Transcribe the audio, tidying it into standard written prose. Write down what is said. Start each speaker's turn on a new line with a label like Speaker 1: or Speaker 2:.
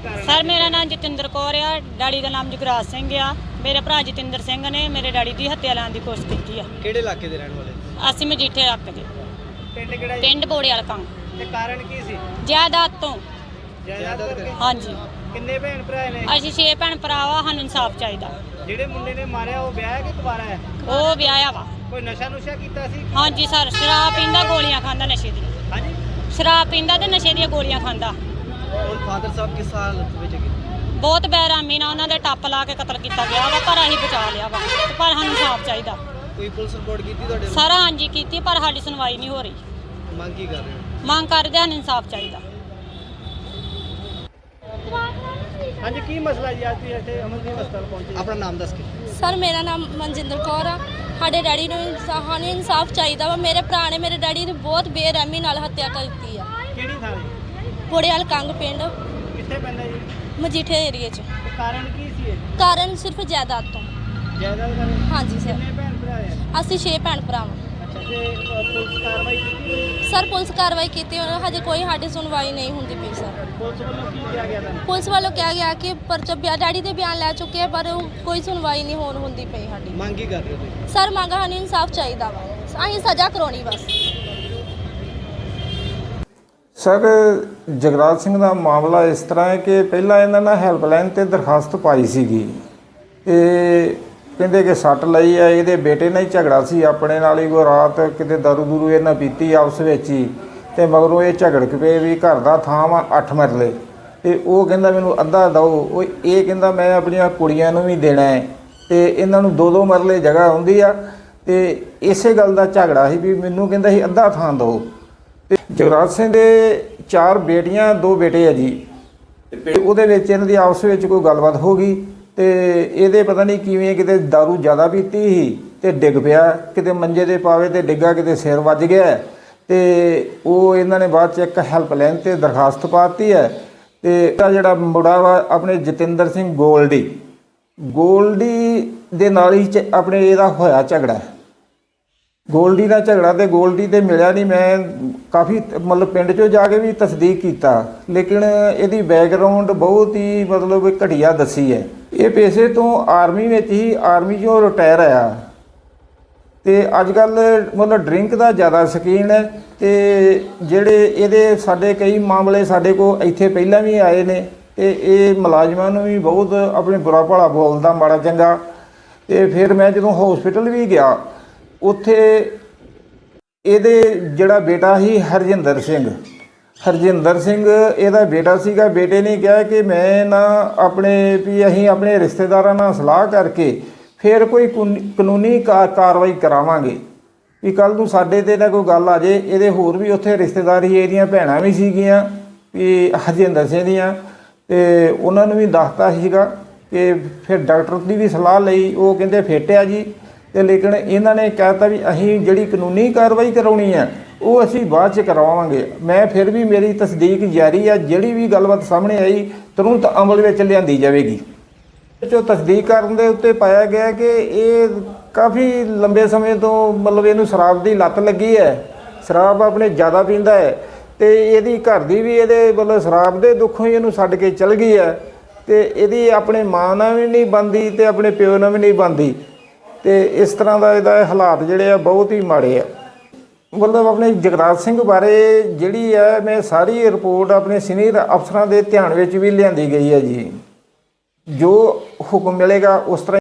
Speaker 1: Sir मेरा नाम जतिंदर कौर आ, daddy का नाम जगराज सिंह आ। मेरे भरा जतिंदर सिंह ने मेरे डैडी की हत्या लाने की कोशिश की है।
Speaker 2: ਕਿਹੜੇ ਇਲਾਕੇ ਦੇ ਰਹਿਣ ਵਾਲੇ?
Speaker 1: ਅਸੀਂ ਮਜੀਠੇ ਰੱਖ ਦੇ
Speaker 2: ਪਿੰਡ ਕਿਹੜਾ ਜੀ?
Speaker 1: ਪਿੰਡ ਬੋੜੇ ਵਾਲਾ ਕੰਮ
Speaker 2: ਤੇ ਕਾਰਨ ਕੀ ਸੀ?
Speaker 1: ਜਾਇਦਾਦ ਤੋਂ।
Speaker 2: ਜਾਇਦਾਦ ਕਰਕੇ?
Speaker 1: ਹਾਂਜੀ
Speaker 2: ਕਿੰਨੇ ਭੈਣ ਭਰਾ ਨੇ?
Speaker 1: ਅਸੀਂ 6 ਭੈਣ ਭਰਾ ਵਾ, ਸਾਨੂੰ ਇਨਸਾਫ ਚਾਹੀਦਾ।
Speaker 2: ਜਿਹੜੇ ਮੁੰਡੇ ਨੇ ਮਾਰਿਆ ਉਹ ਵਿਆਹ ਹੈ ਕਿ ਕੁਵਾਰਾ ਹੈ?
Speaker 1: ਉਹ ਵਿਆਹਿਆ ਵਾ।
Speaker 2: ਕੋਈ ਨਸ਼ਾ ਨੁਸ਼ਾ ਕੀਤਾ ਸੀ?
Speaker 1: ਹਾਂਜੀ ਸਰ, ਸ਼ਰਾਬ ਪੀਂਦਾ, ਗੋਲੀਆਂ ਖਾਂਦਾ ਨਸ਼ੇ ਦੀ।
Speaker 2: ਹਾਂਜੀ।
Speaker 1: ਸ਼ਰਾਬ ਪੀਂਦਾ ਤੇ ਨਸ਼ੇ ਦੀਆਂ ਗੋਲੀਆਂ ਖਾਂਦਾ।
Speaker 2: ਹੁਣ ਫਾਦਰ ਸਾਹਿਬ ਕਿਸ ਹਾਲਤ ਵਿੱਚ ਹੈਗੇ?
Speaker 1: ਬਹੁਤ ਬੇਰਹਿਮੀ ਨਾਲ ਉਹਨਾਂ ਦੇ ਟੱਪ ਲਾ ਕੇ ਕਤਲ ਕੀਤਾ ਗਿਆ ਵਾ, ਪਰ ਅਸੀਂ ਬਚਾ ਲਿਆ ਵਾ। ਤੇ ਪਰ ਸਾਨੂੰ ਇਨਸਾਫ ਚਾਹੀਦਾ।
Speaker 2: ਕੋਈ ਪੁਲਿਸ ਰਿਪੋਰਟ ਕੀਤੀ ਤੁਹਾਡੇ?
Speaker 1: ਸਾਰਾ ਹਾਂਜੀ ਕੀਤੀ, ਪਰ ਸਾਡੀ ਸੁਣਵਾਈ ਨਹੀਂ ਹੋ ਰਹੀ।
Speaker 2: ਮੰਗ ਕੀ ਕਰ ਰਹੇ ਹੋ?
Speaker 1: ਮੰਗ ਕਰਦੇ ਸਾਨੂੰ ਇਨਸਾਫ ਚਾਹੀਦਾ।
Speaker 2: ਹਾਂਜੀ, ਕੀ ਮਸਲਾ ਜੀ? ਅੱਜ ਤੁਸੀਂ ਇੱਥੇ ਅਮਨਦੀਪ ਹਸਪਤਾਲ ਪਹੁੰਚੇ? ਆਪਣਾ ਨਾਮ ਦੱਸ ਕੇ।
Speaker 3: ਸਰ ਮੇਰਾ ਨਾਮ ਮਨਜਿੰਦਰ ਕੌਰ ਆ। ਸਾਡੇ ਡੈਡੀ ਨੂੰ ਸਾਨੂੰ ਇਨਸਾਫ ਚਾਹੀਦਾ ਵਾ। ਮੇਰੇ ਭਰਾ ਨੇ ਮੇਰੇ ਡੈਡੀ ਦੀ ਬਹੁਤ ਬੇਰਹਿਮੀ ਨਾਲ ਹੱਤਿਆ ਕਰ ਦਿੱਤੀ ਆ।
Speaker 2: ਕਿਹੜੀ ਥਾਂ ਜੀ?
Speaker 3: ਬੋੜੇਵਾਲ ਕੰਗ ਪਿੰਡ
Speaker 2: ਕਿੱਥੇ ਪੈਂਦਾ ਜੀ?
Speaker 3: ਮਜੀਠੇ ਏਰੀਏ 'ਚ।
Speaker 2: ਤੇ ਕਾਰਨ ਕੀ ਸੀ ਇਹ?
Speaker 3: ਕਾਰਨ ਸਿਰਫ ਜਾਇਦਾਦ ਤੋਂ।
Speaker 2: ਜਾਇਦਾਦ ਕਾਰਨ?
Speaker 3: ਹਾਂਜੀ ਸਰ,
Speaker 2: ਕਿੰਨੇ ਭੈਣ ਭਰਾ ਹੈ?
Speaker 3: ਅਸੀਂ 6 ਭੈਣ ਭਰਾ ਵਾਂ।
Speaker 2: ਅੱਛਾ, ਤੇ ਪੁਲਿਸ ਕਾਰਵਾਈ ਕੀਤੀ?
Speaker 3: ਸਰ ਪੁਲਿਸ ਕਾਰਵਾਈ ਕੀਤੀ, ਹਜੇ ਕੋਈ ਸਾਡੀ ਸੁਣਵਾਈ ਨਹੀਂ ਹੁੰਦੀ ਪਈ ਸਰ।
Speaker 2: ਪੁਲਿਸ ਵੱਲੋਂ ਕੀ ਕਿਹਾ ਗਿਆ ਤੁਹਾਨੂੰ?
Speaker 3: ਪੁਲਿਸ ਵੱਲੋਂ ਕਿਹਾ ਗਿਆ ਕਿ ਪਰਚਾ ਡੈਡੀ ਦੇ ਬਿਆਨ ਲੈ ਚੁੱਕੇ ਆ, ਪਰ ਉਹ ਕੋਈ ਸੁਣਵਾਈ ਨਹੀਂ ਹੁੰਦੀ ਪਈ ਸਾਡੀ।
Speaker 2: ਮੰਗ ਕੀ ਕਰ ਰਹੇ ਹੋ ਤੁਸੀਂ?
Speaker 3: ਸਰ ਮੰਗ ਸਾਨੂੰ ਇਨਸਾਫ ਚਾਹੀਦਾ ਵਾ, ਅਸੀਂ ਸਜ਼ਾ ਕਰਾਉਣੀ ਬਸ।
Speaker 4: ਸਰ ਜਗਰਾਜ ਸਿੰਘ ਦਾ ਮਾਮਲਾ ਇਸ ਤਰ੍ਹਾਂ ਹੈ ਕਿ ਪਹਿਲਾਂ ਇਹਨਾਂ ਨੇ ਹੈਲਪਲਾਈਨ 'ਤੇ ਦਰਖਾਸਤ ਪਾਈ ਸੀਗੀ। ਇਹ ਕਹਿੰਦੇ ਕਿ ਸੱਟ ਲਈ ਆ, ਇਹਦੇ ਬੇਟੇ ਨਾਲ ਹੀ ਝਗੜਾ ਸੀ ਆਪਣੇ ਨਾਲ ਹੀ। ਕੋਈ ਰਾਤ ਕਿਤੇ ਦਾਰੂ ਦੂਰੂ ਇਹਨਾਂ ਪੀਤੀ ਆਪਸ ਵਿੱਚ ਹੀ, ਅਤੇ ਮਗਰੋਂ ਇਹ ਝਗੜ ਕੇ ਪਏ ਵੀ ਘਰ ਦਾ ਥਾਂ ਵਾ 8 ਮਰਲੇ, ਅਤੇ ਉਹ ਕਹਿੰਦਾ ਮੈਨੂੰ ਅੱਧਾ ਦਿਓ। ਉਹ ਇਹ ਕਹਿੰਦਾ ਮੈਂ ਆਪਣੀਆਂ ਕੁੜੀਆਂ ਨੂੰ ਵੀ ਦੇਣਾ ਹੈ, ਅਤੇ ਇਹਨਾਂ ਨੂੰ 2-2 ਮਰਲੇ ਜਗ੍ਹਾ ਹੁੰਦੀ ਆ। ਅਤੇ ਇਸੇ ਗੱਲ ਦਾ ਝਗੜਾ ਸੀ ਵੀ ਮੈਨੂੰ ਕਹਿੰਦਾ ਸੀ ਅੱਧਾ ਥਾਂ ਦਿਓ। ਅਤੇ ਜਗਰਾਜ ਸਿੰਘ ਦੇ 4 ਬੇਟੀਆਂ 2 ਬੇਟੇ ਆ ਜੀ। ਅਤੇ ਉਹਦੇ ਵਿੱਚ ਇਹਨਾਂ ਦੀ ਆਪਸ ਵਿੱਚ ਕੋਈ ਗੱਲਬਾਤ ਹੋ ਗਈ, ਅਤੇ ਇਹਦੇ ਪਤਾ ਨਹੀਂ ਕਿਵੇਂ ਕਿਤੇ ਦਾਰੂ ਜ਼ਿਆਦਾ ਪੀਤੀ ਸੀ ਅਤੇ ਡਿੱਗ ਪਿਆ, ਕਿਤੇ ਮੰਜੇ ਦੇ ਪਾਵੇ ਤੇ ਡਿੱਗਾ, ਕਿਤੇ ਸਿਰ ਵੱਜ ਗਿਆ। ਅਤੇ ਉਹ ਇਹਨਾਂ ਨੇ ਬਾਅਦ 'ਚ ਇੱਕ ਹੈਲਪਲਾਈਨ 'ਤੇ ਦਰਖਾਸਤ ਪਾ ਦਿੱਤੀ ਹੈ। ਅਤੇ ਇਹਦਾ ਜਿਹੜਾ ਮੁੰਡਾ ਵਾ ਆਪਣੇ ਜਤਿੰਦਰ ਸਿੰਘ ਗੋਲਡੀ ਦੇ ਨਾਲ ਹੀ ਆਪਣੇ ਇਹਦਾ ਹੋਇਆ ਝਗੜਾ। ਗੋਲਡੀ ਦਾ ਝਗੜਾ, ਤੇ ਗੋਲਡੀ ਤੇ ਮਿਲਿਆ ਨਹੀਂ। ਮੈਂ ਕਾਫੀ ਮਤਲਬ ਪਿੰਡ 'ਚੋਂ ਜਾ ਕੇ ਵੀ ਤਸਦੀਕ ਕੀਤਾ, ਲੇਕਿਨ ਇਹਦੀ ਬੈਕਗਰਾਊਂਡ ਬਹੁਤ ਹੀ ਮਤਲਬ ਘਟੀਆ ਦੱਸੀ ਹੈ। ਇਹ ਪੇਸ਼ੇ ਤੋਂ ਆਰਮੀ ਵਿੱਚ ਹੀ, ਆਰਮੀ 'ਚੋਂ ਰਿਟਾਇਰ ਆਇਆ, ਅਤੇ ਅੱਜ ਕੱਲ੍ਹ ਮਤਲਬ ਡਰਿੰਕ ਦਾ ਜ਼ਿਆਦਾ ਸ਼ੌਕੀਨ ਹੈ। ਅਤੇ ਜਿਹੜੇ ਇਹਦੇ ਸਾਡੇ ਕਈ ਮਾਮਲੇ ਸਾਡੇ ਕੋਲ ਇੱਥੇ ਪਹਿਲਾਂ ਵੀ ਆਏ ਨੇ, ਅਤੇ ਇਹ ਮੁਲਾਜ਼ਮਾਂ ਨੂੰ ਵੀ ਬਹੁਤ ਆਪਣੇ ਬੁਰਾ ਭਲਾ ਬੋਲਦਾ, ਮਾੜਾ ਚੰਗਾ। ਅਤੇ ਫਿਰ ਮੈਂ ਜਦੋਂ ਹੌਸਪੀਟਲ ਵੀ ਗਿਆ, ਉੱਥੇ ਇਹਦੇ ਜਿਹੜਾ ਬੇਟਾ ਸੀ ਹਰਜਿੰਦਰ ਸਿੰਘ ਇਹਦਾ ਬੇਟਾ ਸੀਗਾ। ਬੇਟੇ ਨੇ ਕਿਹਾ ਕਿ ਮੈਂ ਨਾ ਆਪਣੇ ਵੀ ਅਸੀਂ ਆਪਣੇ ਰਿਸ਼ਤੇਦਾਰਾਂ ਨਾਲ ਸਲਾਹ ਕਰਕੇ ਫਿਰ ਕੋਈ ਕਾਨੂੰਨੀ ਕਾਰਵਾਈ ਕਰਾਵਾਂਗੇ, ਵੀ ਕੱਲ੍ਹ ਨੂੰ ਸਾਡੇ 'ਤੇ ਨਾ ਕੋਈ ਗੱਲ ਆ ਜੇ। ਇਹਦੇ ਹੋਰ ਵੀ ਉੱਥੇ ਰਿਸ਼ਤੇਦਾਰ ਸੀ, ਇਹਦੀਆਂ ਭੈਣਾਂ ਵੀ ਸੀਗੀਆਂ ਵੀ ਹਰਜਿੰਦਰ ਸਿੰਘ ਦੀਆਂ, ਅਤੇ ਉਹਨਾਂ ਨੂੰ ਵੀ ਦੱਸਤਾ ਸੀਗਾ। ਕਿ ਫਿਰ ਡਾਕਟਰ ਦੀ ਵੀ ਸਲਾਹ ਲਈ, ਉਹ ਕਹਿੰਦੇ ਫਿੱਟ ਆ ਜੀ। ਅਤੇ ਲੇਕਿਨ ਇਹਨਾਂ ਨੇ ਕਹਿਤਾ ਵੀ ਅਸੀਂ ਜਿਹੜੀ ਕਾਨੂੰਨੀ ਕਾਰਵਾਈ ਕਰਾਉਣੀ ਹੈ ਉਹ ਅਸੀਂ ਬਾਅਦ 'ਚ ਕਰਵਾਵਾਂਗੇ। ਮੈਂ ਫਿਰ ਵੀ ਮੇਰੀ ਤਸਦੀਕ ਜਾਰੀ ਆ, ਜਿਹੜੀ ਵੀ ਗੱਲਬਾਤ ਸਾਹਮਣੇ ਆਈ ਤੁਰੰਤ ਅਮਲ ਵਿੱਚ ਲਿਆਂਦੀ ਜਾਵੇਗੀ। ਜੋ ਤਸਦੀਕ ਕਰਨ ਦੇ ਉੱਤੇ ਪਾਇਆ ਗਿਆ ਕਿ ਇਹ ਕਾਫੀ ਲੰਬੇ ਸਮੇਂ ਤੋਂ ਮਤਲਬ ਇਹਨੂੰ ਸ਼ਰਾਬ ਦੀ ਲੱਤ ਲੱਗੀ ਹੈ, ਸ਼ਰਾਬ ਆਪਣੇ ਜ਼ਿਆਦਾ ਪੀਂਦਾ ਹੈ, ਅਤੇ ਇਹਦੀ ਘਰ ਦੀ ਵੀ ਇਹਦੇ ਮਤਲਬ ਸ਼ਰਾਬ ਦੇ ਦੁੱਖੋਂ ਹੀ ਇਹਨੂੰ ਛੱਡ ਕੇ ਚਲ ਗਈ ਹੈ। ਅਤੇ ਇਹਦੀ ਆਪਣੇ ਮਾਂ ਨਾਲ ਵੀ ਨਹੀਂ ਬਣਦੀ ਅਤੇ ਆਪਣੇ ਪਿਓ ਨਾਲ ਵੀ ਨਹੀਂ ਬਣਦੀ, ਅਤੇ ਇਸ ਤਰ੍ਹਾਂ ਦਾ ਇਹਦਾ ਹਾਲਾਤ ਜਿਹੜੇ ਆ ਬਹੁਤ ਹੀ ਮਾੜੇ ਆ। ਮਤਲਬ ਆਪਣੇ ਜਗਰਾਜ ਸਿੰਘ ਬਾਰੇ ਜਿਹੜੀ ਹੈ ਮੈਂ ਸਾਰੀ ਰਿਪੋਰਟ ਆਪਣੇ ਸੀਨੀਅਰ ਅਫਸਰਾਂ ਦੇ ਧਿਆਨ ਵਿੱਚ ਵੀ ਲਿਆਂਦੀ ਗਈ ਹੈ ਜੀ। ਜੋ ਹੁਕਮ ਮਿਲੇਗਾ ਉਸ ਤਰ੍ਹਾਂ